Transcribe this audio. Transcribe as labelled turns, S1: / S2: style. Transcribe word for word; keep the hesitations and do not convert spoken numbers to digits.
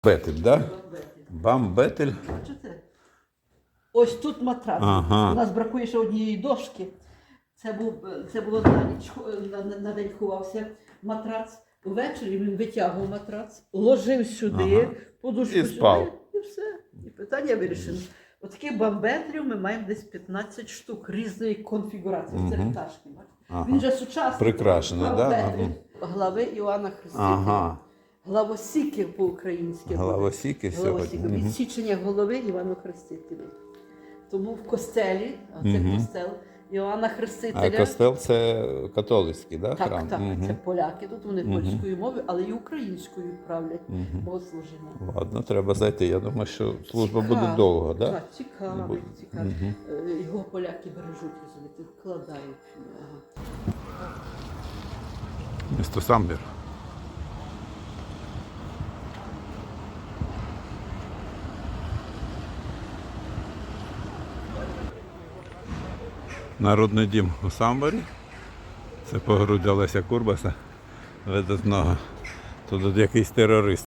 S1: Бетель, да? Бамбетель.
S2: Бачите? Ось тут матрац.
S1: Ага.
S2: У нас бракує ще однієї дошки. Це, був, це було на ніч, на, на, на день ховався матрац. Увечері він витягував матрац, ложив сюди,
S1: Ага.
S2: подушку
S1: І спав.
S2: сюди, і все. І питання вирішено. Отаких бамбетлів ми маємо десь п'ятнадцять штук різної конфігурації. Це
S1: Мгм.
S2: пташки. бачите?
S1: Ага.
S2: Він же сучасний.
S1: Прикрашений, да?
S2: Бамбетлі.
S1: Ага.
S2: Глави Іоанна Хрестителя.
S1: Ага.
S2: Главосіки по-українськи.
S1: Головосіки
S2: Головосіки.
S1: сьогодні. Мгм.
S2: Відсічення голови Івану Хрестителю. Тому в костелі, а це
S1: Мгм.
S2: костел Іоанна
S1: А
S2: Хрестителя.
S1: костел це католицький, да,
S2: Так,
S1: храм?
S2: так,
S1: Мгм.
S2: це поляки. Тут вони
S1: Мгм.
S2: польською мовою, але і українською правлять
S1: Мгм.
S2: богослужіння.
S1: Ладно, треба зайти. Я думаю, що служба буде
S2: Цікаво.
S1: довго, да?
S2: Так, цікаво,
S1: Буде.
S2: цікаво.
S1: Мгм.
S2: Е, Його поляки бережуть, розумієте, вкладають. Ага.
S1: Місто Самбір. Народний дім у Самборі. Це погруддя Леся Курбаса, видатного. Тут якийсь терорист